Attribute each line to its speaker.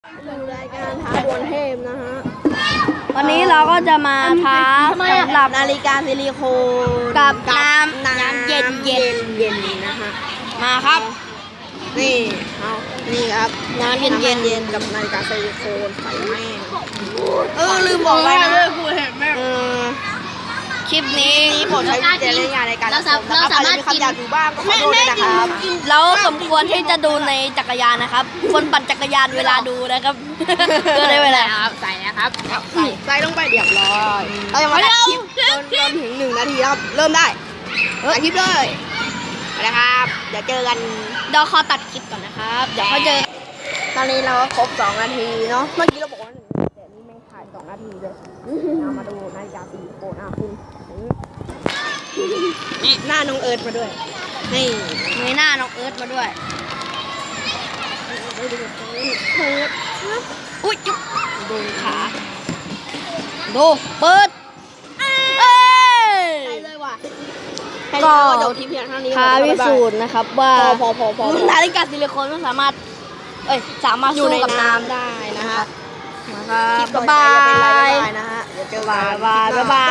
Speaker 1: สู่รายการท้าดวลเทพนะฮะ
Speaker 2: วันนี้เราก็จะมาท้าสำหรับ
Speaker 1: นาฬิกาซิลิโคน
Speaker 2: กับน้ำเย็น
Speaker 1: เย็นนะฮะ
Speaker 2: มาครับ
Speaker 1: นี่เอานี่ครับ
Speaker 2: น้ำเย็น
Speaker 1: เย็นกับนาฬิกาซิลิโคนใส่แม่งลืมบอกไปนะเออ
Speaker 2: คลิปนี้
Speaker 1: นี่ผมใช้วิจารณญาณในการรับชมนะครับอาจจะมีคำหยาบอยู่บ้างก็ขอโทษด้วยนะครับ
Speaker 2: เราสมควรที่จะดูในจักรยานนะครับ คนปั่นจักรยานเวลาดูนะครับก็ได้เวลาครับใส่นะครับ
Speaker 1: ใส่ลงไปเรียบร้อยเราจะมาตัดคลิปจนถึง1 นาทีครับเริ่มได้ตัดคลิปเลยไปนะครับเดี๋ยวเจอกัน
Speaker 2: เดี๋ยวขอตัดคลิปก่อนนะครับเดี๋ยวเขาเจอ
Speaker 1: ตอนนี้เราก็ครบ2 นาทีเนาะเมื่อกี้เราบอกว่า1 นาทีแต่นี่แม่งถ่าย2 นาทีเลยเอามาดูนาฬิกาซิลิโคนคุณหน้าน้องเอิร์ธมาด้วยนี่
Speaker 2: มีหน้าน้องเอิร์ธมาด้วย
Speaker 1: เอิร์ธ
Speaker 2: อุ้ยจุ๊บโดนขาดูเปิดเอ้ย
Speaker 1: ใช่เลยว่ะ
Speaker 2: ก็
Speaker 1: จบที่เพียงเท่านี้
Speaker 2: ท้าพิสูจน์นะครับว่า
Speaker 1: พอ
Speaker 2: นาฬิกาซิลิโคนมันสามารถสามารถ
Speaker 1: อยู่
Speaker 2: สู้
Speaker 1: ใน
Speaker 2: กับน้ำ
Speaker 1: น้ำได้นะฮะ
Speaker 2: นะครับ
Speaker 1: คลิปต่อไป
Speaker 2: บ๊าย
Speaker 1: จะเป็นอะไร
Speaker 2: บาย
Speaker 1: บ๊ายบายนะฮะเดี๋ยวเจอกัน
Speaker 2: บ๊ายบาย